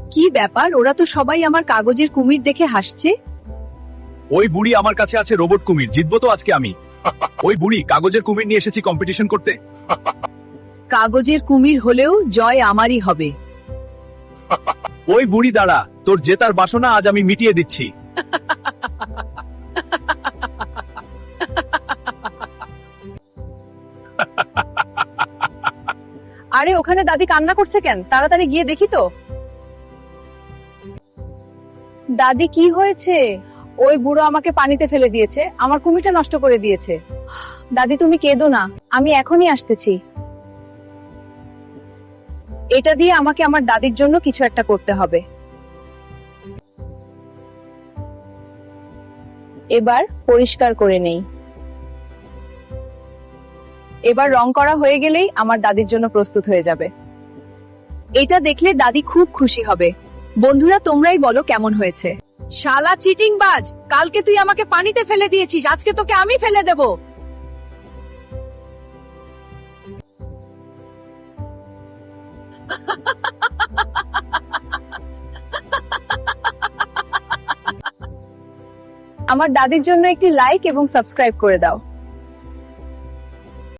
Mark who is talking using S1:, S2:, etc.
S1: কি ব্যাপার, ওরা তো সবাই আমার কাগজের কুমির দেখে হাসছে।
S2: ওই বুড়ি আমার কাছে আছে রোবট কুমির, জিতবো তো আজকে আমি। ওই বুড়ি, কাগজের কুমির নিয়ে এসেছি কম্পিটিশন করতে।
S1: কাগজের কুমির হলেও জয় আমারই হবে।
S2: ওই বুড়ি দাঁড়া, তোর জেতার বাসনা আজ আমি মিটিয়ে দিচ্ছি।
S1: আরে ওখানে দাদি কান্না করছে কেন? তাড়াতাড়ি গিয়ে দেখি তো। দাদি কি হয়েছে? ওই বুড়ো আমাকে পানিতে ফেলে দিয়েছে, আমার কুমিরটা নষ্ট করে দিয়েছে। দাদি তুমি কেঁদো না, আমি এখনই আসতেছি। এটা দিয়ে আমাকে আমার দাদির জন্য কিছু একটা করতে হবে। এবার পরিষ্কার করে নেই। এবার রং করা হয়ে গেলেই আমার দাদির জন্য প্রস্তুত হয়ে যাবে। এটা দেখলে দাদি খুব খুশি হবে। বন্ধুরা তোমরাই বলো কেমন হয়েছে। শালা চিটিংবাজ, কালকে তুই আমাকে পানিতে ফেলে দিয়েছিস, আজকে তোকে আমি ফেলে দেব। আমার দাদির জন্য একটি লাইক এবং সাবস্ক্রাইব করে দাও।